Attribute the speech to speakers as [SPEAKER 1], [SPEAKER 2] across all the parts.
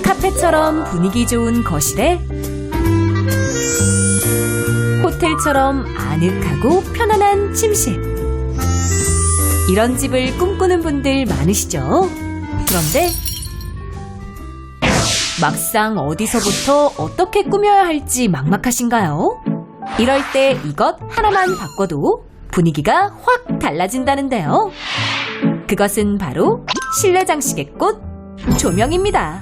[SPEAKER 1] 카페처럼 분위기 좋은 거실에 호텔처럼 아늑하고 편안한 침실. 이런 집을 꿈꾸는 분들 많으시죠? 그런데 막상 어디서부터 어떻게 꾸며야 할지 막막하신가요? 이럴 때 이것 하나만 바꿔도 분위기가 확 달라진다는데요. 그것은 바로 실내 장식의 꽃, 조명입니다.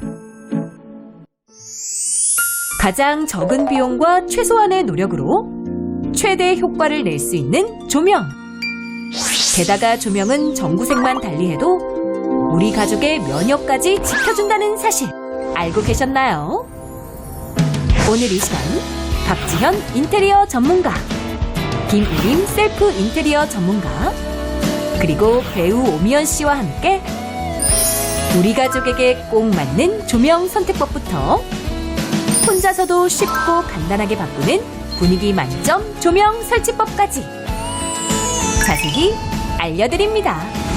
[SPEAKER 1] 가장 적은 비용과 최소한의 노력으로 최대 효과를 낼 수 있는 조명. 게다가 조명은 전구색만 달리해도 우리 가족의 면역까지 지켜준다는 사실 알고 계셨나요? 오늘 이 시간 박지현 인테리어 전문가, 김우림 셀프 인테리어 전문가, 그리고 배우 오미연 씨와 함께 우리 가족에게 꼭 맞는 조명 선택법부터 혼자서도 쉽고 간단하게 바꾸는 분위기 만점 조명 설치법까지 자세히 알려드립니다.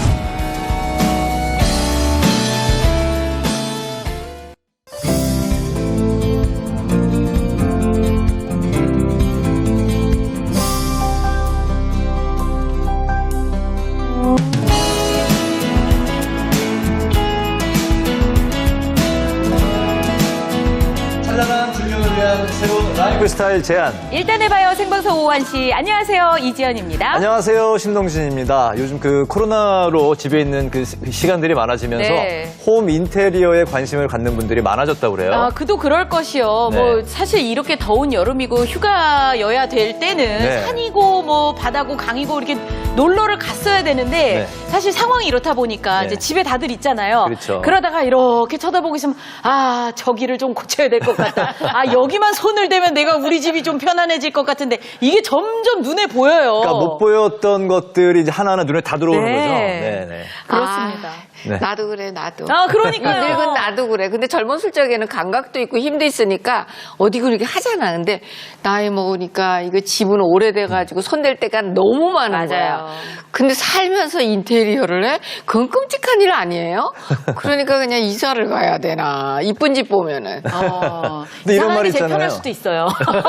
[SPEAKER 2] 찬란한 조명을 위한 새로운 라이프 스타일 제안.
[SPEAKER 3] 일단 해봐요. 생방송 오한 씨. 안녕하세요. 이지연입니다.
[SPEAKER 2] 안녕하세요. 신동진입니다. 요즘 그 코로나로 집에 있는 그 시간들이 많아지면서
[SPEAKER 3] 네.
[SPEAKER 2] 홈 인테리어에 관심을 갖는 분들이 많아졌다고 그래요.
[SPEAKER 3] 아, 그도 그럴 것이요.
[SPEAKER 2] 네.
[SPEAKER 3] 뭐 사실 이렇게 더운 여름이고 휴가여야 될 때는
[SPEAKER 2] 네.
[SPEAKER 3] 산이고 뭐 바다고 강이고 이렇게 놀러를 갔어야 되는데
[SPEAKER 2] 네.
[SPEAKER 3] 사실 상황이 이렇다 보니까
[SPEAKER 2] 네.
[SPEAKER 3] 이제 집에 다들 있잖아요.
[SPEAKER 2] 그렇죠.
[SPEAKER 3] 그러다가 이렇게 쳐다보고 있으면 아, 저기를 좀 고쳐야 될 것 같다. 아, 여기만 손을 대면 내가 우리 집이 좀 편안해질 것 같은데 이게 점점 눈에 보여요.
[SPEAKER 2] 그러니까 못 보였던 것들이 이제 하나하나 눈에 다 들어오는
[SPEAKER 3] 네.
[SPEAKER 2] 거죠. 네.
[SPEAKER 3] 그렇습니다.
[SPEAKER 2] 네.
[SPEAKER 4] 나도 그래, 나도.
[SPEAKER 3] 아, 그러니까요.
[SPEAKER 4] 늙은 나도 그래. 근데 젊었을 적에는 감각도 있고 힘도 있으니까 어디 그렇게 하잖아. 근데 나이 먹으니까 이거 집은 오래돼가지고 손댈 때가 너무 많은 거야.
[SPEAKER 3] 맞아요.
[SPEAKER 4] 근데 살면서 인테리어를 해? 그건 끔찍한 일 아니에요? 그러니까 그냥 이사를 가야 되나. 이쁜 집 보면은.
[SPEAKER 2] 근데 이런 말이
[SPEAKER 3] 제일
[SPEAKER 2] 있잖아요.
[SPEAKER 3] 편할 수도 있어요.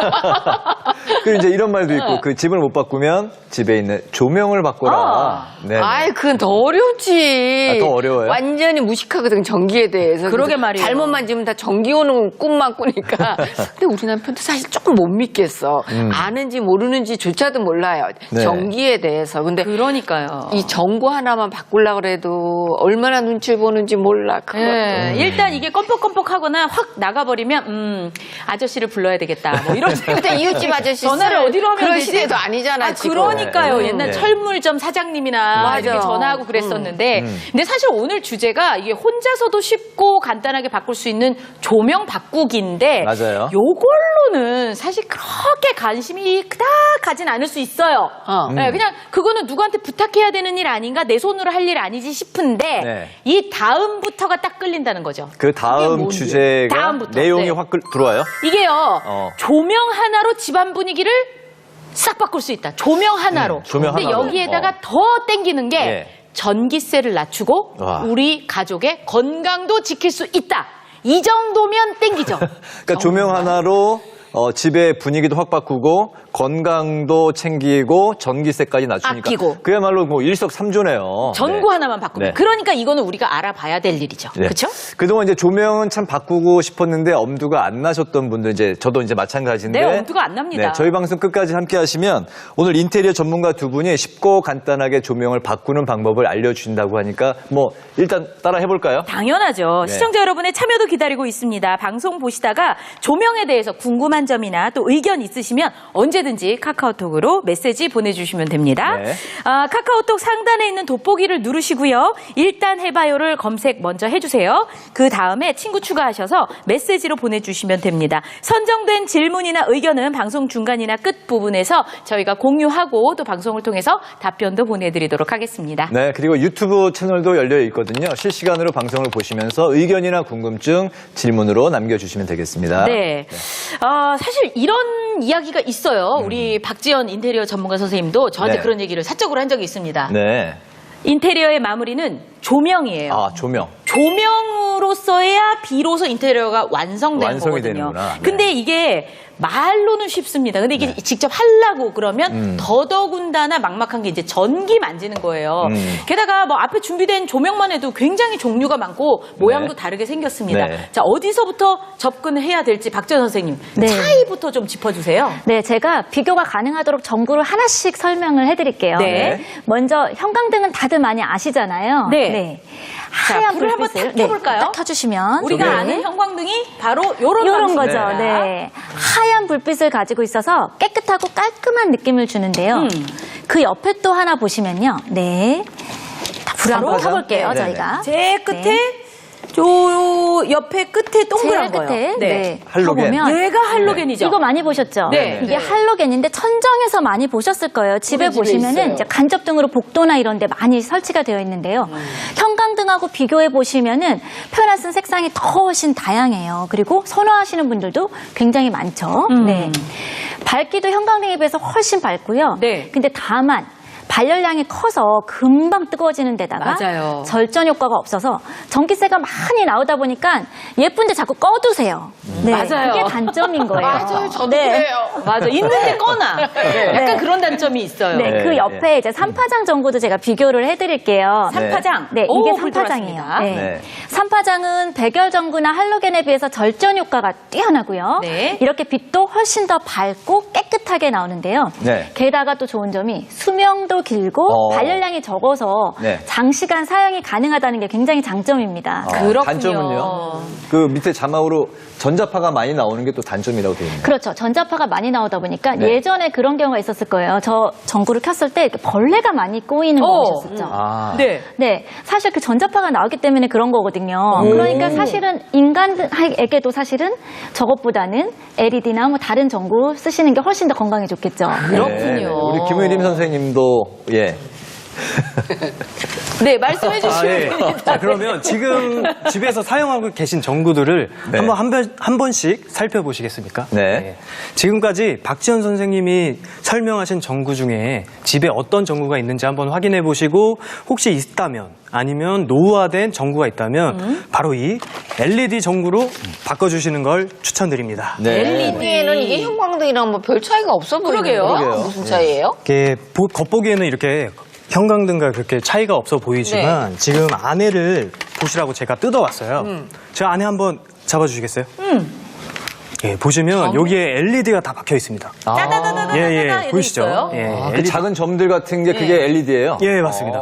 [SPEAKER 2] 그리고 이제 이런 말도 있고 그 집을 못 바꾸면 집에 있는 조명을 바꿔라. 네.
[SPEAKER 4] 아이, 그건 더 어렵지.
[SPEAKER 2] 아, 더 어려워요?
[SPEAKER 4] 완전히 무식하거든, 전기에 대해서.
[SPEAKER 3] 그러게
[SPEAKER 4] 그래서
[SPEAKER 3] 말이에요.
[SPEAKER 4] 잘못만 지면 다 전기 오는 꿈만 꾸니까. 근데 우리 남편도 사실 조금 못 믿겠어. 아는지 모르는지조차도 몰라요.
[SPEAKER 2] 네.
[SPEAKER 4] 전기에 대해서. 근데
[SPEAKER 3] 그러니까요.
[SPEAKER 4] 이 전구 하나만 바꾸려고 그래도 얼마나 눈치 보는지 몰라. 그것도.
[SPEAKER 3] 네, 일단 이게 껌뻑껌뻑하거나 확 나가버리면 아저씨를 불러야 되겠다. 뭐 이런 생각.
[SPEAKER 4] 근데 이웃집 아저씨
[SPEAKER 3] 전화를 어디로 하면
[SPEAKER 4] 그런
[SPEAKER 3] 되지?
[SPEAKER 4] 시대도 아니잖아,
[SPEAKER 3] 아,
[SPEAKER 4] 지금.
[SPEAKER 3] 그러니까요.
[SPEAKER 2] 네.
[SPEAKER 3] 옛날
[SPEAKER 2] 네.
[SPEAKER 3] 철물점 사장님이나
[SPEAKER 4] 맞아.
[SPEAKER 3] 이렇게 전화하고 그랬었는데 근데 사실 오늘 주제가 이게 혼자서도 쉽고 간단하게 바꿀 수 있는 조명 바꾸기인데
[SPEAKER 2] 맞아요.
[SPEAKER 3] 요걸로는 사실 그렇게 관심이 그닥하진 않을 수 있어요. 네, 그냥 그거는 누구한테 부탁해야 되는 일 아닌가, 내 손으로 할 일 아니지 싶은데
[SPEAKER 2] 네.
[SPEAKER 3] 이 다음부터가 딱 끌린다는 거죠.
[SPEAKER 2] 그
[SPEAKER 3] 그게
[SPEAKER 2] 다음
[SPEAKER 3] 뭔지.
[SPEAKER 2] 주제가
[SPEAKER 3] 다음부터.
[SPEAKER 2] 내용이
[SPEAKER 3] 네.
[SPEAKER 2] 확 들어와요.
[SPEAKER 3] 이게요.
[SPEAKER 2] 어.
[SPEAKER 3] 조명 하나로 집안 분위기를 싹 바꿀 수 있다. 조명 하나로.
[SPEAKER 2] 조명
[SPEAKER 3] 근데
[SPEAKER 2] 하나로.
[SPEAKER 3] 여기에다가 더 땡기는 게
[SPEAKER 2] 예.
[SPEAKER 3] 전기세를 낮추고
[SPEAKER 2] 와.
[SPEAKER 3] 우리 가족의 건강도 지킬 수 있다. 이 정도면 땡기죠.
[SPEAKER 2] 그러니까 조명 하나로 집의 분위기도 확 바꾸고 건강도 챙기고 전기세까지 낮추니까
[SPEAKER 3] 아끼고.
[SPEAKER 2] 그야말로 뭐 일석삼조네요.
[SPEAKER 3] 전구
[SPEAKER 2] 네.
[SPEAKER 3] 하나만 바꾸면.
[SPEAKER 2] 네.
[SPEAKER 3] 그러니까 이거는 우리가 알아봐야 될 일이죠.
[SPEAKER 2] 네.
[SPEAKER 3] 그렇죠?
[SPEAKER 2] 그동안 이제 조명은 참 바꾸고 싶었는데 엄두가 안 나셨던 분들 이제 저도 이제 마찬가지인데.
[SPEAKER 3] 네, 엄두가 안 납니다.
[SPEAKER 2] 네, 저희 방송 끝까지 함께 하시면 오늘 인테리어 전문가 두 분이 쉽고 간단하게 조명을 바꾸는 방법을 알려주신다고 하니까 뭐 일단 따라 해볼까요?
[SPEAKER 3] 당연하죠.
[SPEAKER 2] 네.
[SPEAKER 3] 시청자 여러분의 참여도 기다리고 있습니다. 방송 보시다가 조명에 대해서 궁금한 점이나 또 의견 있으시면 언제든지 카카오톡으로 메시지 보내주시면 됩니다.
[SPEAKER 2] 네.
[SPEAKER 3] 카카오톡 상단에 있는 돋보기를 누르시고요. 일단 해봐요를 검색 먼저 해주세요. 그 다음에 친구 추가하셔서 메시지로 보내주시면 됩니다. 선정된 질문이나 의견은 방송 중간이나 끝 부분에서 저희가 공유하고 또 방송을 통해서 답변도 보내드리도록 하겠습니다.
[SPEAKER 2] 네, 그리고 유튜브 채널도 열려 있거든요. 실시간으로 방송을 보시면서 의견이나 궁금증, 질문으로 남겨주시면 되겠습니다.
[SPEAKER 3] 네. 사실 이런 이야기가 있어요. 우리 박지연 인테리어 전문가 선생님도 저한테
[SPEAKER 2] 네.
[SPEAKER 3] 그런 얘기를 사적으로 한 적이 있습니다.
[SPEAKER 2] 네.
[SPEAKER 3] 인테리어의 마무리는 조명이에요.
[SPEAKER 2] 아, 조명.
[SPEAKER 3] 조명으로서야 비로소 인테리어가 완성되는
[SPEAKER 2] 완성이
[SPEAKER 3] 거거든요.
[SPEAKER 2] 되는구나. 네.
[SPEAKER 3] 근데 이게 말로는 쉽습니다. 근데 이게 직접 하려고 그러면 더더군다나 막막한 게 이제 전기 만지는 거예요. 게다가 뭐 앞에 준비된 조명만 해도 굉장히 종류가 많고 모양도
[SPEAKER 2] 네.
[SPEAKER 3] 다르게 생겼습니다.
[SPEAKER 2] 네.
[SPEAKER 3] 자, 어디서부터 접근을 해야 될지 박지원 선생님
[SPEAKER 5] 네.
[SPEAKER 3] 차이부터 좀 짚어주세요.
[SPEAKER 5] 네, 제가 비교가 가능하도록 전구를 하나씩 설명을 해드릴게요.
[SPEAKER 3] 네.
[SPEAKER 5] 먼저 형광등은 다들 많이 아시잖아요.
[SPEAKER 3] 네. 자,
[SPEAKER 5] 하얀
[SPEAKER 3] 불을 한번
[SPEAKER 5] 불빛을
[SPEAKER 3] 탁 켜볼까요?
[SPEAKER 5] 딱 켜주시면
[SPEAKER 3] 우리가
[SPEAKER 5] 네.
[SPEAKER 3] 아는 형광등이 바로 요런
[SPEAKER 5] 이런 거죠.
[SPEAKER 3] 방식입니다.
[SPEAKER 5] 네. 하얀 불빛을 가지고 있어서 깨끗하고 깔끔한 느낌을 주는데요. 그 옆에 또 하나 보시면요. 네. 불 한번
[SPEAKER 2] 삼파장?
[SPEAKER 5] 켜볼게요,
[SPEAKER 2] 네,
[SPEAKER 5] 저희가.
[SPEAKER 3] 제 끝에
[SPEAKER 5] 네.
[SPEAKER 3] 저 옆에 끝에 동그란
[SPEAKER 5] 제일
[SPEAKER 3] 거요.
[SPEAKER 5] 끝에 네.
[SPEAKER 2] 할로겐.
[SPEAKER 5] 켜보면
[SPEAKER 3] 얘가 할로겐이죠.
[SPEAKER 5] 이거 많이 보셨죠?
[SPEAKER 3] 네.
[SPEAKER 5] 이게 할로겐인데 천정에서 많이 보셨을 거예요. 집에
[SPEAKER 4] 우리 집에
[SPEAKER 5] 보시면은
[SPEAKER 4] 있어요.
[SPEAKER 5] 이제 간접등으로 복도나 이런 데 많이 설치가 되어 있는데요. 형광등하고 비교해 보시면은 표현할 색상이 더 훨씬 다양해요. 그리고 선호하시는 분들도 굉장히 많죠. 네. 밝기도 형광등에 비해서 훨씬 밝고요.
[SPEAKER 3] 네.
[SPEAKER 5] 근데 다만 발열량이 커서 금방 뜨거워지는 데다가
[SPEAKER 3] 맞아요.
[SPEAKER 5] 절전 효과가 없어서 전기세가 많이 나오다 보니까 예쁜데 자꾸 꺼두세요. 네,
[SPEAKER 3] 맞아요.
[SPEAKER 5] 그게 단점인 거예요.
[SPEAKER 4] 맞아요. 저도
[SPEAKER 5] 네.
[SPEAKER 4] 그래요.
[SPEAKER 3] 맞아. 있는데 꺼나. 약간
[SPEAKER 5] 네.
[SPEAKER 3] 그런 단점이 있어요.
[SPEAKER 5] 네,
[SPEAKER 2] 네,
[SPEAKER 5] 그 옆에 이제 삼파장 전구도 제가 비교를 해드릴게요.
[SPEAKER 3] 삼파장.
[SPEAKER 5] 네,
[SPEAKER 3] 오,
[SPEAKER 5] 이게
[SPEAKER 3] 불
[SPEAKER 5] 삼파장이에요.
[SPEAKER 3] 들어왔습니다.
[SPEAKER 5] 네.
[SPEAKER 2] 네.
[SPEAKER 5] 삼파장은 백열 전구나 할로겐에 비해서 절전 효과가 뛰어나고요.
[SPEAKER 3] 네.
[SPEAKER 5] 이렇게 빛도 훨씬 더 밝고 깨끗하게 나오는데요.
[SPEAKER 2] 네.
[SPEAKER 5] 게다가 또 좋은 점이 수명도 길고 발열량이 적어서
[SPEAKER 2] 네.
[SPEAKER 5] 장시간 사용이 가능하다는 게 굉장히 장점입니다.
[SPEAKER 3] 그렇군요.
[SPEAKER 2] 단점은요? 그 밑에 자막으로 전자파가 많이 나오는 게 또 단점이라고 되어 있네요.
[SPEAKER 5] 그렇죠. 전자파가 많이 나오다 보니까
[SPEAKER 2] 네.
[SPEAKER 5] 예전에 그런 경우가 있었을 거예요. 저 전구를 켰을 때 이렇게 벌레가 많이 꼬이는 거 보셨었죠?
[SPEAKER 2] 아.
[SPEAKER 3] 네.
[SPEAKER 5] 네, 사실 그 전자파가 나오기 때문에 그런 거거든요. 그러니까 사실은 인간에게도 사실은 저것보다는 LED나 뭐 다른 전구 쓰시는 게 훨씬 더 건강에 좋겠죠.
[SPEAKER 3] 그렇군요.
[SPEAKER 2] 우리 김의림 선생님도 예.
[SPEAKER 3] 네, 말씀해 주시면
[SPEAKER 6] 예.
[SPEAKER 3] 됩니다.
[SPEAKER 6] 자, 그러면 지금 집에서 사용하고 계신 전구들을
[SPEAKER 2] 네.
[SPEAKER 6] 한 번씩 살펴보시겠습니까?
[SPEAKER 2] 네.
[SPEAKER 6] 지금까지 박지현 선생님이 설명하신 전구 중에 집에 어떤 전구가 있는지 한번 확인해 보시고 혹시 있다면 아니면 노후화된 전구가 있다면 바로 이 LED 전구로 바꿔주시는 걸 추천드립니다.
[SPEAKER 2] 네.
[SPEAKER 4] LED에는 이게 형광등이랑 뭐 별 차이가 없어 보이네요.
[SPEAKER 3] 그러게요.
[SPEAKER 4] 무슨 차이예요?
[SPEAKER 6] 이게 겉보기에는 이렇게 형광등과 그렇게 차이가 없어 보이지만 지금 안에를 보시라고 제가 뜯어왔어요. 제가 안에 한번 잡아주시겠어요? 예, 보시면 여기에 LED가 다 박혀 있습니다.
[SPEAKER 3] 따다다다다다다
[SPEAKER 6] 예,
[SPEAKER 3] 이렇게
[SPEAKER 6] 보이시죠?
[SPEAKER 3] 있어요.
[SPEAKER 6] 예,
[SPEAKER 2] 그
[SPEAKER 6] LED.
[SPEAKER 2] 작은 점들 같은 게 그게 LED예요?
[SPEAKER 6] 예, 맞습니다.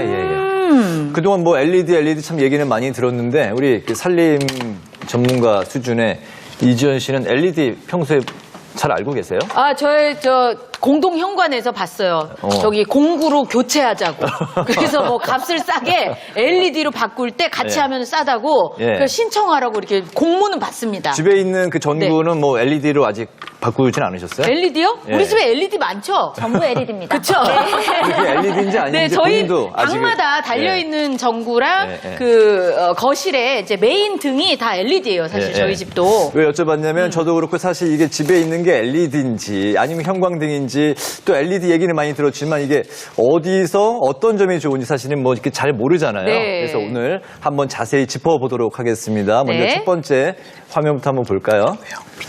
[SPEAKER 2] 그동안 뭐 LED 참 얘기는 많이 들었는데 우리 그 산림 전문가 수준의 이지연 씨는 LED 평소에 잘 알고 계세요?
[SPEAKER 3] 아, 저 공동 현관에서 봤어요. 저기 공구로 교체하자고. 그래서 뭐 값을 싸게 LED로 바꿀 때 같이
[SPEAKER 2] 예.
[SPEAKER 3] 하면 싸다고
[SPEAKER 2] 예.
[SPEAKER 3] 그래서 신청하라고 이렇게 공문은 받습니다.
[SPEAKER 2] 집에 있는 그 전구는 뭐 LED로 아직 바꾸진 않으셨어요?
[SPEAKER 3] LED요?
[SPEAKER 2] 예.
[SPEAKER 3] 우리 집에 LED 많죠?
[SPEAKER 5] 전부 LED입니다.
[SPEAKER 3] 그쵸?
[SPEAKER 2] 그게 LED인지 아닌지
[SPEAKER 3] 네, 저희
[SPEAKER 2] 본인도 아직은-
[SPEAKER 3] 방마다 달려있는 전구랑
[SPEAKER 2] 예, 예.
[SPEAKER 3] 그 거실에 이제 메인 등이 다 LED예요, 사실
[SPEAKER 2] 예,
[SPEAKER 3] 저희
[SPEAKER 2] 예.
[SPEAKER 3] 집도.
[SPEAKER 2] 왜 여쭤봤냐면 저도 그렇고 사실 이게 집에 있는 게 LED인지 아니면 형광등인지 또 LED 얘기는 많이 들었지만 이게 어디서 어떤 점이 좋은지 사실은 뭐 이렇게 잘 모르잖아요.
[SPEAKER 3] 네.
[SPEAKER 2] 그래서 오늘 한번 자세히 짚어보도록 하겠습니다. 먼저
[SPEAKER 3] 네.
[SPEAKER 2] 첫 번째 화면부터 한번 볼까요?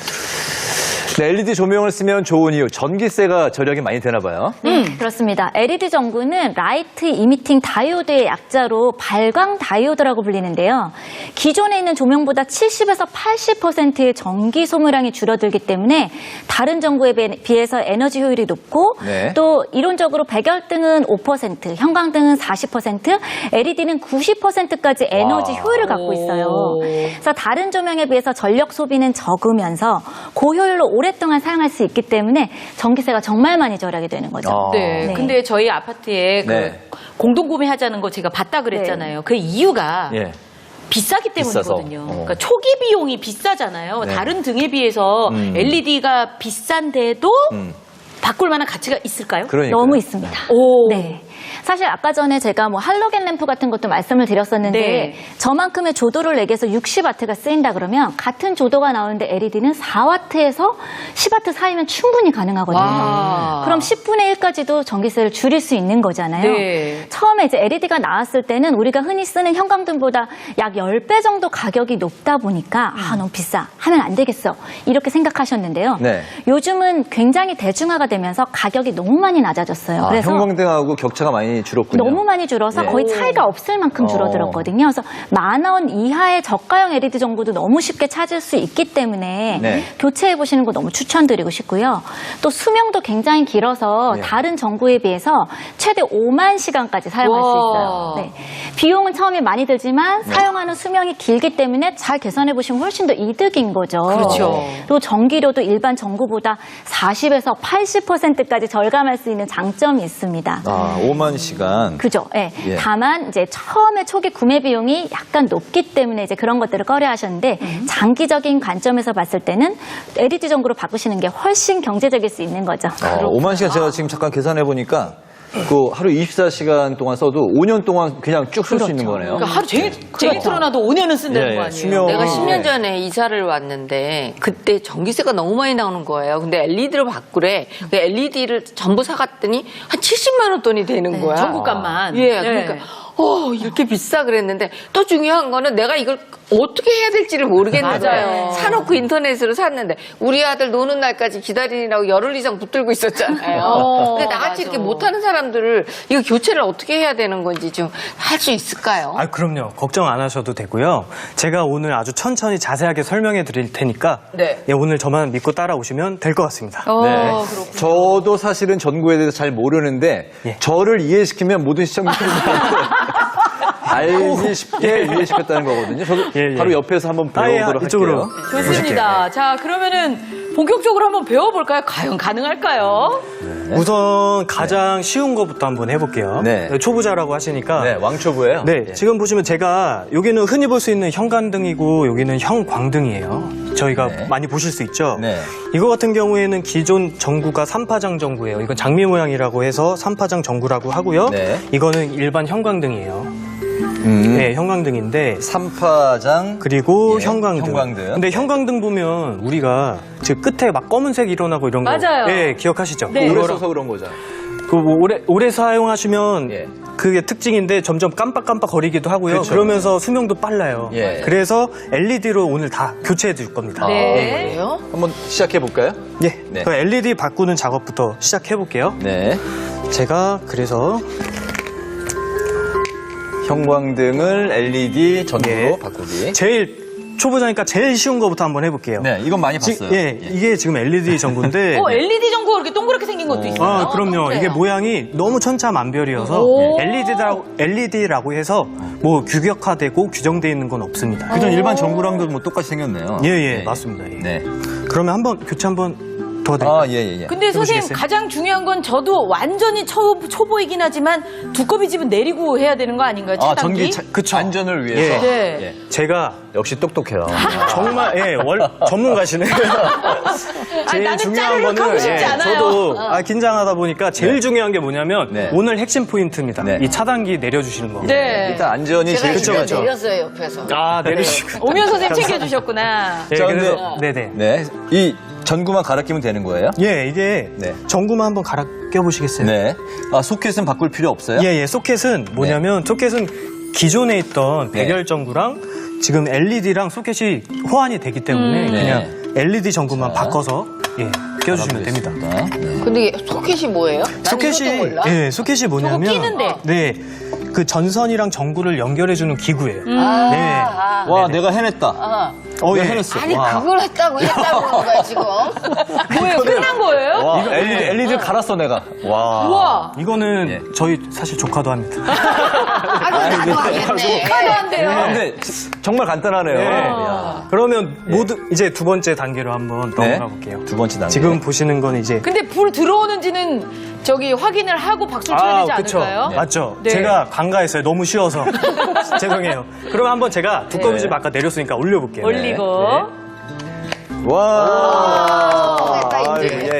[SPEAKER 2] 네, LED 조명을 쓰면 좋은 이유, 전기세가 절약이 많이 되나 봐요.
[SPEAKER 5] 그렇습니다. LED 전구는 라이트 이미팅 다이오드의 약자로 발광 다이오드라고 불리는데요. 기존에 있는 조명보다 70에서 80%의 전기 소모량이 줄어들기 때문에 다른 전구에 비해서 에너지 효율이 높고
[SPEAKER 2] 네.
[SPEAKER 5] 또 이론적으로 백열등은 5%, 형광등은 40%, LED는 90%까지 에너지
[SPEAKER 2] 와.
[SPEAKER 5] 효율을 갖고 있어요.
[SPEAKER 3] 오.
[SPEAKER 5] 그래서 다른 조명에 비해서 전력 소비는 적으면서 고효율로 오랫동안 사용할 수 있기 때문에 전기세가 정말 많이 절약이 되는 거죠.
[SPEAKER 3] 네.
[SPEAKER 5] 네.
[SPEAKER 3] 근데 저희 아파트에 그
[SPEAKER 2] 네.
[SPEAKER 3] 공동구매하자는 거 제가 봤다 그랬잖아요. 그 이유가
[SPEAKER 2] 예.
[SPEAKER 3] 비싸기
[SPEAKER 2] 비싸서.
[SPEAKER 3] 때문이거든요. 그러니까 초기 비용이 비싸잖아요.
[SPEAKER 2] 네.
[SPEAKER 3] 다른 등에 비해서 LED가 비싼데도 바꿀 만한 가치가 있을까요?
[SPEAKER 2] 그러니까.
[SPEAKER 5] 너무 있습니다.
[SPEAKER 3] 오.
[SPEAKER 5] 네. 사실 아까 전에 제가 뭐 할로겐 램프 같은 것도 말씀을 드렸었는데
[SPEAKER 3] 네.
[SPEAKER 5] 저만큼의 조도를 내기 위해서 60W가 쓰인다 그러면 같은 조도가 나오는데 LED는 4W에서 10W 사이면 충분히 가능하거든요.
[SPEAKER 3] 와.
[SPEAKER 5] 그럼 10분의 1까지도 전기세를 줄일 수 있는 거잖아요.
[SPEAKER 3] 네.
[SPEAKER 5] 처음에 이제 LED가 나왔을 때는 우리가 흔히 쓰는 형광등보다 약 10배 정도 가격이 높다 보니까 너무 비싸. 하면 안 되겠어. 이렇게 생각하셨는데요.
[SPEAKER 2] 네.
[SPEAKER 5] 요즘은 굉장히 대중화가 되면서 가격이 너무 많이 낮아졌어요.
[SPEAKER 2] 아,
[SPEAKER 5] 그래서
[SPEAKER 2] 형광등하고 격차가 많이 줄었군요.
[SPEAKER 5] 너무 많이 줄어서
[SPEAKER 2] 네.
[SPEAKER 5] 거의 차이가 없을 만큼 줄어들었거든요. 그래서 10,000원 이하의 저가형 LED 전구도 너무 쉽게 찾을 수 있기 때문에
[SPEAKER 2] 네.
[SPEAKER 5] 교체해 보시는 거 너무 추천드리고 싶고요. 또 수명도 굉장히 길어서
[SPEAKER 2] 네.
[SPEAKER 5] 다른 전구에 비해서 최대 5만 시간까지 사용할 수 있어요. 네. 비용은 처음에 많이 들지만 사용하는 수명이 길기 때문에 잘 계산해 보시면 훨씬 더 이득인 거죠.
[SPEAKER 3] 그렇죠.
[SPEAKER 5] 그리고 전기료도 일반 전구보다 40에서 80%까지 절감할 수 있는 장점이 있습니다.
[SPEAKER 2] 아, 5만 시간.
[SPEAKER 5] 그죠. 예.
[SPEAKER 2] 예.
[SPEAKER 5] 다만 이제 처음에 초기 구매 비용이 약간 높기 때문에 이제 그런 것들을 꺼려하셨는데 장기적인 관점에서 봤을 때는 LED 전구로 바꾸시는 게 훨씬 경제적일 수 있는 거죠.
[SPEAKER 2] 5만 시간 제가 지금 잠깐 계산해 보니까 그 하루 24시간 동안 써도 5년 동안 그냥 쭉 쓸 수 있는 거네요.
[SPEAKER 3] 그러니까 하루 종일 틀어놔도 5년은 쓴다는
[SPEAKER 2] 예,
[SPEAKER 3] 거 아니에요?
[SPEAKER 2] 수명.
[SPEAKER 4] 내가
[SPEAKER 2] 예.
[SPEAKER 4] 10년 전에 이사를 왔는데 그때 전기세가 너무 많이 나오는 거예요. 근데 LED로 바꾸래. 그 LED를 전부 사갔더니 한 70만 원 돈이 되는 거야.
[SPEAKER 3] 전국값만.
[SPEAKER 4] 예,
[SPEAKER 3] 네.
[SPEAKER 4] 그러니까 이렇게 비싸 그랬는데 또 중요한 거는 내가 이걸 어떻게 해야 될지를 모르겠는
[SPEAKER 3] 맞아요.
[SPEAKER 4] 거예요. 사놓고 인터넷으로 샀는데 우리 아들 노는 날까지 기다리느라고 열흘 이상 붙들고 있었잖아요. 근데 나같이 이렇게 못하는 사람들을 이거 교체를 어떻게 해야 되는 건지 좀 할 수 있을까요?
[SPEAKER 6] 아, 그럼요. 걱정 안 하셔도 되고요. 제가 오늘 아주 천천히 자세하게 설명해 드릴 테니까
[SPEAKER 4] 네.
[SPEAKER 6] 예, 오늘 저만 믿고 따라오시면 될 것 같습니다.
[SPEAKER 2] 네. 저도 사실은 전구에 대해서 잘 모르는데
[SPEAKER 6] 예.
[SPEAKER 2] 저를 이해시키면 모든 시청자들이 알기 쉽게 이해시켰다는 거거든요. 저도
[SPEAKER 6] 예, 예.
[SPEAKER 2] 바로 옆에서 한번 배워보도록
[SPEAKER 6] 이쪽으로.
[SPEAKER 2] 할게요.
[SPEAKER 3] 좋습니다. 자, 그러면은 본격적으로 한번 배워볼까요? 과연 가능할까요?
[SPEAKER 6] 우선 가장 쉬운 것부터 한번 해볼게요.
[SPEAKER 2] 네.
[SPEAKER 6] 초보자라고 하시니까.
[SPEAKER 2] 네, 왕초보예요.
[SPEAKER 6] 네,
[SPEAKER 2] 예.
[SPEAKER 6] 지금 보시면 제가 여기는 흔히 볼 수 있는 형광등이고 여기는 형광등이에요. 저희가
[SPEAKER 2] 네.
[SPEAKER 6] 많이 보실 수 있죠.
[SPEAKER 2] 네.
[SPEAKER 6] 이거 같은 경우에는 기존 전구가 3파장 전구예요. 이건 장미 모양이라고 해서 3파장 전구라고 하고요.
[SPEAKER 2] 네.
[SPEAKER 6] 이거는 일반 형광등이에요. 네, 형광등인데
[SPEAKER 2] 3파장
[SPEAKER 6] 그리고
[SPEAKER 2] 예,
[SPEAKER 6] 형광등.
[SPEAKER 2] 형광등.
[SPEAKER 6] 근데 형광등 보면 우리가 즉 끝에 막 검은색 일어나고 이런 거.
[SPEAKER 3] 맞아요.
[SPEAKER 6] 네, 기억하시죠?
[SPEAKER 3] 네.
[SPEAKER 2] 오래
[SPEAKER 6] 그거랑-
[SPEAKER 2] 써서 그런 거죠.
[SPEAKER 6] 그 오래 사용하시면
[SPEAKER 2] 예.
[SPEAKER 6] 그게 특징인데 점점 깜빡깜빡 거리기도 하고요.
[SPEAKER 2] 그렇죠.
[SPEAKER 6] 그러면서 수명도 빨라요.
[SPEAKER 2] 예.
[SPEAKER 6] 그래서 LED로 오늘 다 교체해 줄 겁니다.
[SPEAKER 3] 네.
[SPEAKER 4] 그래요?
[SPEAKER 2] 한번 시작해 볼까요?
[SPEAKER 6] 예.
[SPEAKER 2] 네.
[SPEAKER 6] 그 LED 바꾸는 작업부터 시작해 볼게요.
[SPEAKER 2] 네.
[SPEAKER 6] 제가 그래서
[SPEAKER 2] 형광등을 LED 전구로
[SPEAKER 6] 예.
[SPEAKER 2] 바꾸기.
[SPEAKER 6] 제일 초보자니까 제일 쉬운 거부터 한번 해볼게요.
[SPEAKER 2] 네, 이건 많이 봤어요.
[SPEAKER 6] 이게 지금 LED 전구인데.
[SPEAKER 3] LED 전구가 이렇게 동그랗게 생긴 것도 있어요.
[SPEAKER 6] 아, 그럼요. 이게 모양이 너무 천차만별이어서
[SPEAKER 3] 오.
[SPEAKER 6] LED라고 해서 뭐 규격화되고 규정되어 있는 건 없습니다.
[SPEAKER 2] 그전 일반 전구랑도 뭐 똑같이 생겼네요.
[SPEAKER 6] 예, 맞습니다. 예.
[SPEAKER 2] 네.
[SPEAKER 6] 그러면 한번 교체 한번 도와드릴까요?
[SPEAKER 2] 아, 예.
[SPEAKER 3] 근데 선생님
[SPEAKER 6] 해보시겠어요?
[SPEAKER 3] 가장 중요한 건 저도 완전히 초보이긴 하지만 두꺼비 집은 내리고 해야 되는 거 아닌가요?
[SPEAKER 2] 아,
[SPEAKER 3] 차단기?
[SPEAKER 2] 그쵸. 안전을 위해서.
[SPEAKER 6] 예.
[SPEAKER 3] 네.
[SPEAKER 2] 예.
[SPEAKER 6] 제가
[SPEAKER 2] 역시 똑똑해요.
[SPEAKER 6] 정말 전문가시네요. 제일
[SPEAKER 3] 나는
[SPEAKER 6] 중요한
[SPEAKER 3] 짜르륵
[SPEAKER 6] 거는
[SPEAKER 3] 하고 싶지 않아요.
[SPEAKER 6] 저도 긴장하다 보니까 제일
[SPEAKER 2] 네.
[SPEAKER 6] 중요한 게 뭐냐면
[SPEAKER 2] 네.
[SPEAKER 6] 오늘 핵심 포인트입니다.
[SPEAKER 2] 네.
[SPEAKER 6] 이 차단기 내려주시는 겁니다.
[SPEAKER 3] 네.
[SPEAKER 2] 일단 안전이
[SPEAKER 4] 제가
[SPEAKER 2] 제일
[SPEAKER 4] 진짜
[SPEAKER 2] 중요하죠.
[SPEAKER 4] 내렸어요 옆에서.
[SPEAKER 6] 아, 내려주시고.
[SPEAKER 3] 오면 선생님 챙겨주셨구나.
[SPEAKER 6] 예,
[SPEAKER 2] 자,
[SPEAKER 6] 그래서 네네.
[SPEAKER 2] 네. 이 전구만 갈아 끼면 되는 거예요?
[SPEAKER 6] 예, 이게
[SPEAKER 2] 네.
[SPEAKER 6] 전구만 한번 갈아 껴보시겠어요?
[SPEAKER 2] 네. 아, 소켓은 바꿀 필요 없어요?
[SPEAKER 6] 예, 소켓은 뭐냐면 소켓은 기존에 있던
[SPEAKER 2] 네.
[SPEAKER 6] 백열 전구랑 지금 LED랑 소켓이 호환이 되기 때문에
[SPEAKER 2] 네.
[SPEAKER 6] 그냥 LED 전구만
[SPEAKER 2] 자.
[SPEAKER 6] 바꿔서 껴주시면 됩니다.
[SPEAKER 2] 네.
[SPEAKER 4] 근데 이게 소켓이 뭐예요? 난 이것도
[SPEAKER 6] 소켓이
[SPEAKER 4] 몰라.
[SPEAKER 6] 소켓이 뭐냐면
[SPEAKER 3] 끼는데.
[SPEAKER 6] 네. 그 전선이랑 전구를 연결해 주는 기구예요. 네.
[SPEAKER 2] 와, 내가 해냈다.
[SPEAKER 6] 예.
[SPEAKER 2] 해냈어.
[SPEAKER 4] 아니
[SPEAKER 2] 와.
[SPEAKER 4] 그걸 했다고 그러는 거야 지금.
[SPEAKER 3] 뭐예요? 끝난 거예요?
[SPEAKER 2] 와,
[SPEAKER 6] 이거-
[SPEAKER 2] LED 갈았어, 내가. 와.
[SPEAKER 3] 우와.
[SPEAKER 6] 이거는
[SPEAKER 2] 예.
[SPEAKER 6] 저희 사실 조카도 합니다.
[SPEAKER 4] 아, 나도 하겠네.
[SPEAKER 3] 하도 안 돼요.
[SPEAKER 2] 근데 정말 간단하네요.
[SPEAKER 6] 네.
[SPEAKER 2] 야.
[SPEAKER 6] 그러면 이제 두 번째 단계로 한번
[SPEAKER 2] 네.
[SPEAKER 6] 넘어가 볼게요.
[SPEAKER 2] 두 번째 단계.
[SPEAKER 6] 지금 보시는 건 이제
[SPEAKER 3] 근데 불 들어오는지는 저기 확인을 하고 박수를 쳐야 되지
[SPEAKER 6] 그쵸.
[SPEAKER 3] 않을까요?
[SPEAKER 6] 맞죠.
[SPEAKER 3] 네.
[SPEAKER 6] 제가 간과했어요. 너무 쉬워서. 죄송해요. 그럼 한번 제가 두꺼비 집 아까 내렸으니까 올려볼게요.
[SPEAKER 3] 올리고.
[SPEAKER 2] 와.
[SPEAKER 4] 됐다, 이제.
[SPEAKER 2] 예.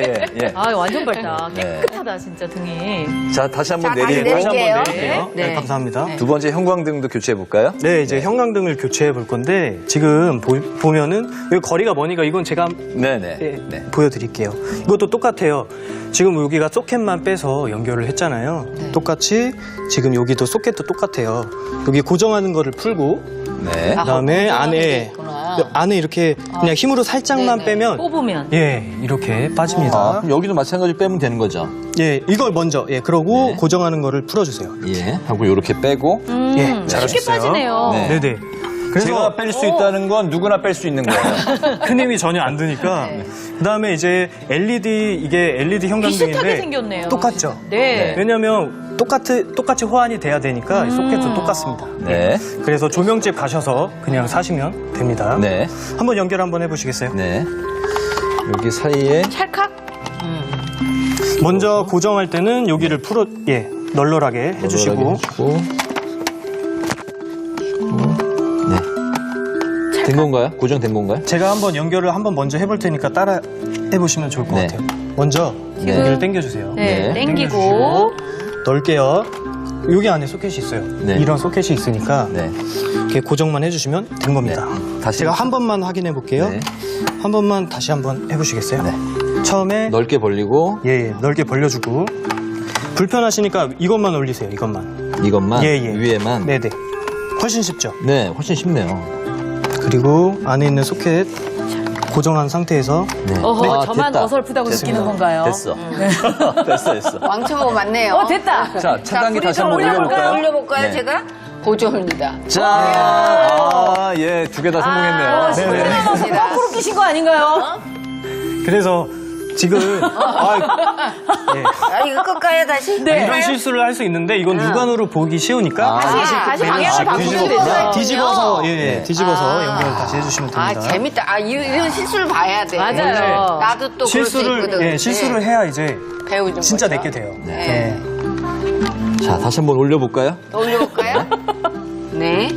[SPEAKER 2] 네.
[SPEAKER 3] 아, 완전 밝다.
[SPEAKER 2] 네.
[SPEAKER 3] 깨끗하다, 진짜 등이.
[SPEAKER 2] 자, 다시 한번
[SPEAKER 4] 자, 다시
[SPEAKER 2] 내리고
[SPEAKER 6] 다시 한번
[SPEAKER 4] 내릴게요.
[SPEAKER 6] 내릴게요. 네,
[SPEAKER 4] 네.
[SPEAKER 6] 감사합니다.
[SPEAKER 2] 두 번째 형광등도 교체해 볼까요?
[SPEAKER 6] 네, 이제 형광등을 교체해 볼 건데 지금 보면은 여기 거리가 머니까 이건 제가
[SPEAKER 2] 네네.
[SPEAKER 6] 예,
[SPEAKER 2] 네.
[SPEAKER 6] 보여드릴게요. 이것도 똑같아요. 지금 여기가 소켓만 빼서 연결을 했잖아요. 똑같이 지금 여기도 소켓도 똑같아요. 여기 고정하는 거를 풀고
[SPEAKER 2] 네.
[SPEAKER 6] 그다음에
[SPEAKER 4] 고정하는 게
[SPEAKER 6] 안에
[SPEAKER 4] 있구나.
[SPEAKER 6] 안에 이렇게 그냥 힘으로 살짝만
[SPEAKER 4] 네네.
[SPEAKER 6] 빼면
[SPEAKER 3] 뽑으면.
[SPEAKER 6] 예 이렇게 빠집니다.
[SPEAKER 2] 아, 그럼 여기도 마찬가지로 빼면 되는 거죠?
[SPEAKER 6] 예 이걸 먼저 그러고
[SPEAKER 2] 네.
[SPEAKER 6] 고정하는 거를 풀어주세요.
[SPEAKER 2] 예. 하고 이렇게 빼고.
[SPEAKER 6] 예
[SPEAKER 3] 쉽게
[SPEAKER 6] 잘하셨어요.
[SPEAKER 3] 빠지네요.
[SPEAKER 2] 네.
[SPEAKER 6] 네네. 그래서
[SPEAKER 2] 제가 뺄 수 있다는 건 누구나 뺄 수 있는 거예요.
[SPEAKER 6] 큰 힘이 전혀 안 드니까. 그다음에 이제 이게 LED 형광등인데
[SPEAKER 3] 비슷하게 생겼네요.
[SPEAKER 6] 똑같죠.
[SPEAKER 3] 네.
[SPEAKER 6] 왜냐하면 똑같이 호환이 돼야 되니까 이 소켓도 똑같습니다.
[SPEAKER 2] 네.
[SPEAKER 6] 그래서 조명집 가셔서 그냥 사시면 됩니다.
[SPEAKER 2] 네.
[SPEAKER 6] 한번 연결 한번 해보시겠어요?
[SPEAKER 2] 네. 여기 사이에.
[SPEAKER 4] 찰칵?
[SPEAKER 6] 먼저 고정할 때는 여기를 널널하게 해주시고.
[SPEAKER 2] 네. 된 건가요? 고정된 건가요?
[SPEAKER 6] 제가 한번 연결을 먼저 해볼 테니까 따라 해보시면 좋을 것
[SPEAKER 2] 네.
[SPEAKER 6] 같아요. 먼저 여기를 당겨주세요.
[SPEAKER 3] 네,
[SPEAKER 2] 네.
[SPEAKER 3] 땡기고.
[SPEAKER 6] 넓게요. 여기 안에 소켓이 있어요.
[SPEAKER 2] 네.
[SPEAKER 6] 이런 소켓이 있으니까
[SPEAKER 2] 네.
[SPEAKER 6] 이렇게 고정만 해주시면 된 겁니다.
[SPEAKER 2] 네. 다시.
[SPEAKER 6] 제가 한 번만 확인해 볼게요.
[SPEAKER 2] 네.
[SPEAKER 6] 한 번만 다시 한번 해보시겠어요?
[SPEAKER 2] 네.
[SPEAKER 6] 처음에
[SPEAKER 2] 넓게 벌리고
[SPEAKER 6] 넓게 벌려주고 불편하시니까 이것만 올리세요. 이것만.
[SPEAKER 2] 이것만 위에만.
[SPEAKER 6] 네네. 훨씬 쉽죠.
[SPEAKER 2] 네, 훨씬 쉽네요.
[SPEAKER 6] 그리고 안에 있는 소켓 고정한 상태에서
[SPEAKER 2] 네.
[SPEAKER 3] 어허, 저만
[SPEAKER 2] 됐다.
[SPEAKER 3] 어설프다고
[SPEAKER 2] 됐습니다.
[SPEAKER 3] 느끼는 건가요?
[SPEAKER 2] 됐어. 됐어.
[SPEAKER 4] 왕초보 맞네요.
[SPEAKER 3] 됐다.
[SPEAKER 2] 자, 차단기 다시 한번 올려볼까요?
[SPEAKER 4] 올려볼까요,
[SPEAKER 2] 네.
[SPEAKER 4] 제가? 보조입니다.
[SPEAKER 2] 자, 예, 두 개 다 성공했네요.
[SPEAKER 6] 네네.
[SPEAKER 4] 감사합니다.
[SPEAKER 3] 거꾸로 끼신 거 아닌가요?
[SPEAKER 6] 그래서 지금
[SPEAKER 4] 아, 이거 끌까요, 다시?
[SPEAKER 3] 네.
[SPEAKER 6] 이런 실수를 할 수 있는데 이건 육안으로 보기 쉬우니까
[SPEAKER 3] 다시 방향을 바꾸시면 되죠.
[SPEAKER 6] 뒤집어서
[SPEAKER 2] 네.
[SPEAKER 6] 뒤집어서 연결 다시 해주시면 됩니다.
[SPEAKER 4] 아, 재밌다. 아, 이런 실수를 봐야 돼.
[SPEAKER 3] 맞아요.
[SPEAKER 4] 나도 또 그럴 수 있거든.
[SPEAKER 6] 실수를 해야 이제
[SPEAKER 4] 배우는
[SPEAKER 6] 진짜
[SPEAKER 4] 거죠.
[SPEAKER 6] 내게 돼요.
[SPEAKER 4] 네.
[SPEAKER 2] 자, 다시 한번 올려볼까요?
[SPEAKER 4] 올려볼까요? 네.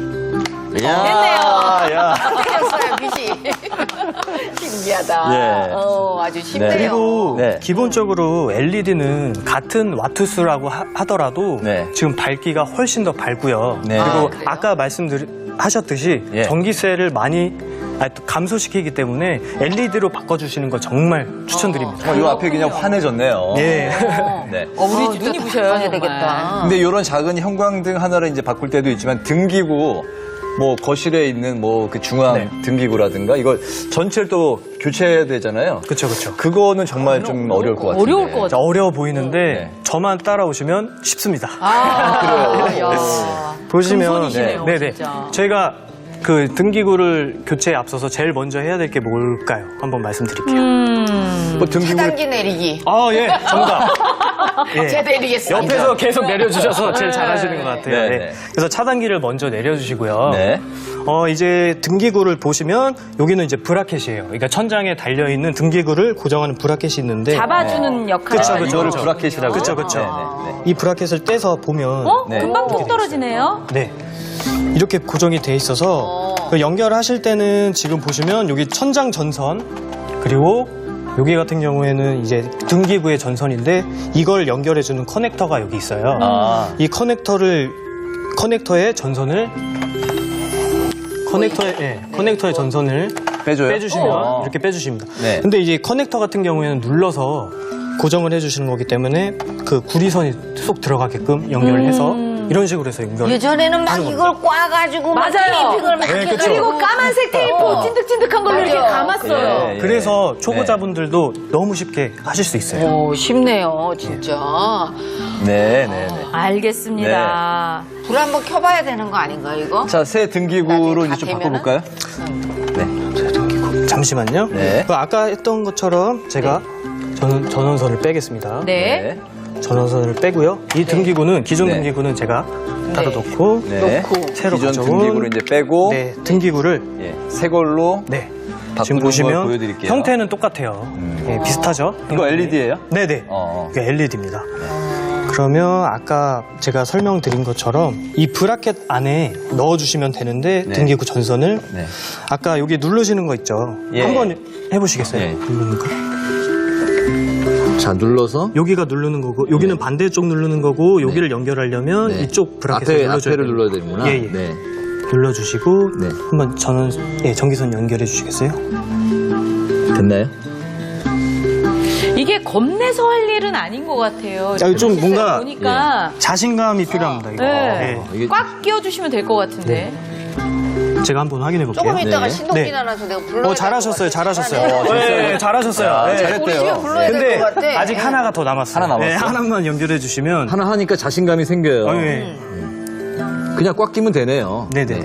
[SPEAKER 2] 야,
[SPEAKER 4] 틀렸어요, 빛이. 신기하다.
[SPEAKER 2] 예.
[SPEAKER 4] 아주 쉽네요.
[SPEAKER 6] 그리고
[SPEAKER 2] 네.
[SPEAKER 6] 기본적으로 LED는 같은 와트수라고 하더라도
[SPEAKER 2] 네.
[SPEAKER 6] 지금 밝기가 훨씬 더 밝고요.
[SPEAKER 2] 네.
[SPEAKER 6] 그리고
[SPEAKER 4] 그래요?
[SPEAKER 6] 아까 말씀하셨듯이
[SPEAKER 2] 예.
[SPEAKER 6] 전기세를 많이 또 감소시키기 때문에 LED로 바꿔주시는 거 정말 추천드립니다.
[SPEAKER 2] 이 앞에 그냥 환해졌네요.
[SPEAKER 6] 예.
[SPEAKER 2] 네.
[SPEAKER 4] 우리
[SPEAKER 3] 눈이 부셔요,
[SPEAKER 4] 해야
[SPEAKER 3] 정말.
[SPEAKER 4] 되겠다.
[SPEAKER 2] 근데 이런 작은 형광등 하나를 이제 바꿀 때도 있지만 등기구, 뭐 거실에 있는 뭐 그 중앙
[SPEAKER 6] 네.
[SPEAKER 2] 등기구라든가 이걸 전체를 또 교체해야 되잖아요.
[SPEAKER 6] 그쵸, 그쵸.
[SPEAKER 2] 그거는 정말 좀 어려울 것 같아요.
[SPEAKER 3] 어려울 것 같아요.
[SPEAKER 6] 어려워 보이는데
[SPEAKER 2] 네.
[SPEAKER 6] 저만 따라오시면 쉽습니다.
[SPEAKER 3] 그래요?
[SPEAKER 6] 보시면
[SPEAKER 3] 금손이시네요,
[SPEAKER 6] 네네.
[SPEAKER 3] 진짜.
[SPEAKER 6] 저희가 그 등기구를 교체에 앞서서 제일 먼저 해야 될 게 뭘까요? 한번 말씀드릴게요.
[SPEAKER 2] 뭐 등기구
[SPEAKER 4] 차단기 내리기.
[SPEAKER 6] 아, 예, 정답. 예.
[SPEAKER 4] 제가 내리겠습니다.
[SPEAKER 6] 옆에서 계속 내려주셔서 제일 잘하시는 것 같아요.
[SPEAKER 2] 네,
[SPEAKER 6] 네.
[SPEAKER 2] 네.
[SPEAKER 6] 그래서 차단기를 먼저 내려주시고요.
[SPEAKER 2] 네.
[SPEAKER 6] 이제 등기구를 보시면 여기는 이제 브라켓이에요. 그러니까 천장에 달려있는 등기구를 고정하는 브라켓이 있는데
[SPEAKER 3] 잡아주는 역할을
[SPEAKER 6] 그쵸,
[SPEAKER 3] 하는
[SPEAKER 6] 그쵸.
[SPEAKER 2] 이거를
[SPEAKER 3] 거죠.
[SPEAKER 2] 브라켓이라고.
[SPEAKER 6] 그쵸, 그쵸.
[SPEAKER 2] 네, 네, 네.
[SPEAKER 6] 이 브라켓을 떼서 보면
[SPEAKER 2] 네.
[SPEAKER 3] 금방 톡 떨어지네요.
[SPEAKER 6] 네. 이렇게 고정이 돼 있어서 그 연결하실 때는 지금 보시면 여기 천장 전선 그리고 여기 같은 경우에는 이제 등기구의 전선인데 이걸 연결해주는 커넥터가 여기 있어요.
[SPEAKER 2] 아.
[SPEAKER 6] 이 커넥터의 전선을 커넥터의 전선을
[SPEAKER 2] 빼줘요?
[SPEAKER 6] 빼주시면 이렇게 빼주십니다.
[SPEAKER 2] 네.
[SPEAKER 6] 근데 이제 커넥터 같은 경우에는 눌러서 고정을 해주시는 거기 때문에 그 구리선이 쏙 들어가게끔 연결해서 이런 식으로 해서 연결.
[SPEAKER 4] 예전에는 막 이걸 꽈가지고 막
[SPEAKER 3] 맞아요.
[SPEAKER 4] 테이핑을 막
[SPEAKER 6] 네,
[SPEAKER 4] 해가지고
[SPEAKER 6] 그쵸.
[SPEAKER 3] 그리고 까만색 테이프 찐득찐득한 걸로 이렇게
[SPEAKER 4] 맞아요.
[SPEAKER 3] 감았어요.
[SPEAKER 2] 예, 예.
[SPEAKER 6] 그래서 초보자분들도 너무 쉽게 하실 수 있어요.
[SPEAKER 4] 오, 쉽네요, 진짜.
[SPEAKER 2] 네, 네, 네.
[SPEAKER 3] 알겠습니다.
[SPEAKER 4] 불 한번 켜봐야 되는 거 아닌가요, 이거?
[SPEAKER 2] 자, 새 등기구로 이제 좀
[SPEAKER 4] 나중에 다
[SPEAKER 2] 바꿔볼까요?
[SPEAKER 6] 잠시만요.
[SPEAKER 2] 네.
[SPEAKER 6] 그 아까 했던 것처럼 제가 전원선을 빼겠습니다.
[SPEAKER 3] 네.
[SPEAKER 6] 전원선을 빼고요. 이 등기구는 기존
[SPEAKER 2] 네.
[SPEAKER 6] 등기구는 제가 따로 놓고
[SPEAKER 2] 네.
[SPEAKER 6] 새로
[SPEAKER 2] 기존
[SPEAKER 6] 가져온
[SPEAKER 2] 등기구를 이제 빼고
[SPEAKER 6] 네, 등기구를
[SPEAKER 2] 예, 새 걸로
[SPEAKER 6] 네.
[SPEAKER 2] 바꾸는
[SPEAKER 6] 지금
[SPEAKER 2] 걸
[SPEAKER 6] 보시면
[SPEAKER 2] 보여드릴게요.
[SPEAKER 6] 형태는 똑같아요. 예, 비슷하죠?
[SPEAKER 2] 이거 LED예요?
[SPEAKER 6] 네네.
[SPEAKER 2] 어.
[SPEAKER 6] 이게 LED입니다. 그러면 아까 제가 설명드린 것처럼 이 브라켓 안에 넣어주시면 되는데
[SPEAKER 2] 네.
[SPEAKER 6] 등기구 전선을
[SPEAKER 2] 네.
[SPEAKER 6] 아까 여기 누르시는 거 있죠?
[SPEAKER 2] 예.
[SPEAKER 6] 한번 해보시겠어요?
[SPEAKER 2] 예.
[SPEAKER 6] 누르는 거?
[SPEAKER 2] 자, 눌러서
[SPEAKER 6] 여기가 누르는 거고 여기는 반대쪽 누르는 거고 여기를 연결하려면
[SPEAKER 2] 네.
[SPEAKER 6] 이쪽 브라켓을 눌러줘야
[SPEAKER 2] 앞에를
[SPEAKER 6] 돼요.
[SPEAKER 2] 눌러야 되는구나.
[SPEAKER 6] 예, 예.
[SPEAKER 2] 네.
[SPEAKER 6] 눌러주시고
[SPEAKER 2] 네.
[SPEAKER 6] 한번 전원 전기선 연결해 주시겠어요?
[SPEAKER 2] 됐나요?
[SPEAKER 3] 이게 겁내서 할 일은 아닌 것 같아요.
[SPEAKER 6] 좀 뭔가
[SPEAKER 3] 보니까
[SPEAKER 6] 자신감이 필요합니다. 이거.
[SPEAKER 3] 네.
[SPEAKER 2] 이게
[SPEAKER 3] 꽉 끼워주시면 될 것 같은데.
[SPEAKER 6] 제가 한번 확인해 볼게요.
[SPEAKER 4] 조금 있다가
[SPEAKER 2] 네.
[SPEAKER 4] 신동기
[SPEAKER 6] 네.
[SPEAKER 4] 나눠서 내가 불러야
[SPEAKER 6] 잘하셨어요, 잘하셨어요.
[SPEAKER 2] 잘하네.
[SPEAKER 6] 네, 잘하셨어요.
[SPEAKER 2] 야,
[SPEAKER 6] 네.
[SPEAKER 2] 잘했대요.
[SPEAKER 4] 우리 집에 불러야 될
[SPEAKER 6] 근데
[SPEAKER 4] 것 같아.
[SPEAKER 6] 아직 하나가 더 남았어요.
[SPEAKER 2] 하나 남았어?
[SPEAKER 6] 네, 하나만 연결해 주시면.
[SPEAKER 2] 하나 하니까 자신감이 생겨요.
[SPEAKER 6] 네.
[SPEAKER 2] 그냥 꽉 끼면 되네요.
[SPEAKER 6] 네네.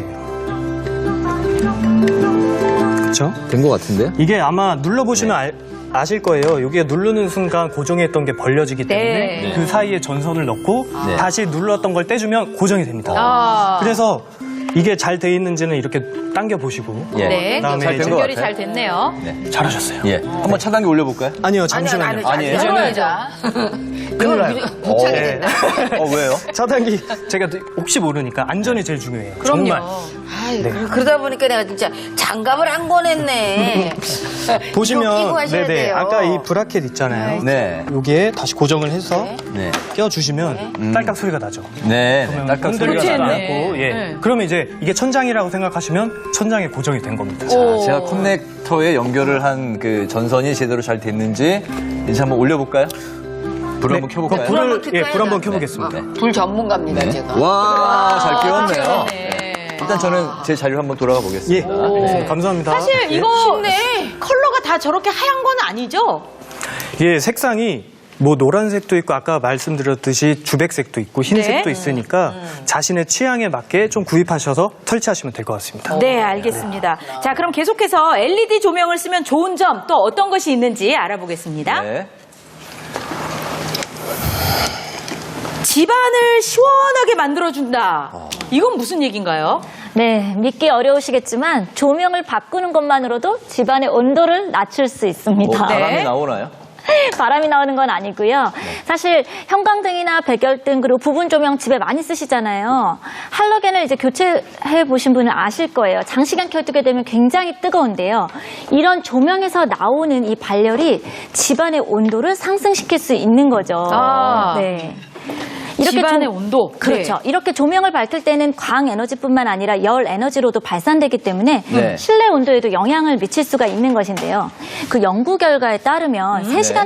[SPEAKER 6] 그렇죠?
[SPEAKER 2] 된 것 같은데요?
[SPEAKER 6] 이게 아마 눌러보시면 아실 거예요. 여기에 누르는 순간 고정했던 게 벌려지기 때문에
[SPEAKER 3] 네.
[SPEAKER 6] 그 사이에 전선을 넣고
[SPEAKER 2] 네.
[SPEAKER 6] 다시 눌렀던 걸 떼주면 고정이 됩니다.
[SPEAKER 3] 아.
[SPEAKER 6] 그래서 이게 잘 돼 있는지는 이렇게 당겨 보시고
[SPEAKER 2] 예.
[SPEAKER 3] 네.
[SPEAKER 6] 그다음에
[SPEAKER 2] 잘된
[SPEAKER 6] 이제
[SPEAKER 2] 것
[SPEAKER 3] 연결이
[SPEAKER 2] 같아요.
[SPEAKER 3] 잘 됐네요.
[SPEAKER 6] 잘하셨어요.
[SPEAKER 2] 예. 한번 차단기 올려볼까요?
[SPEAKER 6] 아니요, 잠시만요.
[SPEAKER 2] 아니에요.
[SPEAKER 4] 불러야자. 그걸 못 차게 된다.
[SPEAKER 2] 왜요?
[SPEAKER 6] 차단기 제가 혹시 모르니까 안전이 제일 중요해요.
[SPEAKER 3] 그럼요.
[SPEAKER 6] 정말.
[SPEAKER 4] 아이, 그러다 보니까 내가 진짜 장갑을 안 꺼냈네. 이거 끼고
[SPEAKER 6] 보시면
[SPEAKER 4] 하셔야 돼요.
[SPEAKER 6] 아까 이 브라켓 있잖아요.
[SPEAKER 2] 네.
[SPEAKER 6] 여기에 다시 고정을 해서
[SPEAKER 2] 네.
[SPEAKER 6] 껴주시면 딸깍 소리가 나죠.
[SPEAKER 2] 네.
[SPEAKER 6] 그러면
[SPEAKER 2] 딱딱 소리가
[SPEAKER 3] 그렇지,
[SPEAKER 2] 나요.
[SPEAKER 3] 네.
[SPEAKER 6] 예.
[SPEAKER 3] 네.
[SPEAKER 6] 그러면 이제 이게 천장이라고 생각하시면 천장에 고정이 된 겁니다.
[SPEAKER 2] 자, 제가 커넥터에 연결을 한 그 전선이 제대로 잘 됐는지 이제 한번 올려볼까요? 불 한번 켜볼까요?
[SPEAKER 6] 불을
[SPEAKER 4] 한번 켤까요?
[SPEAKER 6] 불 한번 켜보겠습니다.
[SPEAKER 4] 불 전문가입니다,
[SPEAKER 2] 네.
[SPEAKER 4] 제가.
[SPEAKER 2] 와, 잘 끼웠네요.
[SPEAKER 3] 네.
[SPEAKER 2] 일단 저는 제 자리로 한번 돌아가
[SPEAKER 6] 예,
[SPEAKER 2] 보겠습니다.
[SPEAKER 6] 감사합니다.
[SPEAKER 3] 사실
[SPEAKER 6] 예.
[SPEAKER 3] 이거 컬러가 다 저렇게 하얀 건 아니죠?
[SPEAKER 6] 예, 색상이 뭐 노란색도 있고 아까 말씀드렸듯이 주백색도 있고 흰색도
[SPEAKER 3] 네.
[SPEAKER 6] 있으니까 자신의 취향에 맞게 좀 구입하셔서 설치하시면 될 것 같습니다.
[SPEAKER 3] 네, 알겠습니다. 자, 그럼 계속해서 LED 조명을 쓰면 좋은 점 또 어떤 것이 있는지 알아보겠습니다.
[SPEAKER 2] 네.
[SPEAKER 3] 집안을 시원하게 만들어준다. 이건 무슨 얘기인가요?
[SPEAKER 5] 네, 믿기 어려우시겠지만 조명을 바꾸는 것만으로도 집안의 온도를 낮출 수 있습니다.
[SPEAKER 2] 뭐 바람이
[SPEAKER 3] 네.
[SPEAKER 2] 나오나요?
[SPEAKER 5] 바람이 나오는 건 아니고요. 사실 형광등이나 백열등 그리고 부분 조명 집에 많이 쓰시잖아요. 할로겐을 이제 교체해 보신 분은 아실 거예요. 장시간 켜두게 되면 굉장히 뜨거운데요. 이런 조명에서 나오는 이 발열이 집안의 온도를 상승시킬 수 있는 거죠.
[SPEAKER 3] 아.
[SPEAKER 5] 네.
[SPEAKER 3] 집안의 온도.
[SPEAKER 5] 그렇죠.
[SPEAKER 3] 네.
[SPEAKER 5] 이렇게 조명을 밝힐 때는 광 에너지뿐만 아니라 열 에너지로도 발산되기 때문에
[SPEAKER 2] 네.
[SPEAKER 5] 실내 온도에도 영향을 미칠 수가 있는 것인데요. 그 연구 결과에 따르면 3시간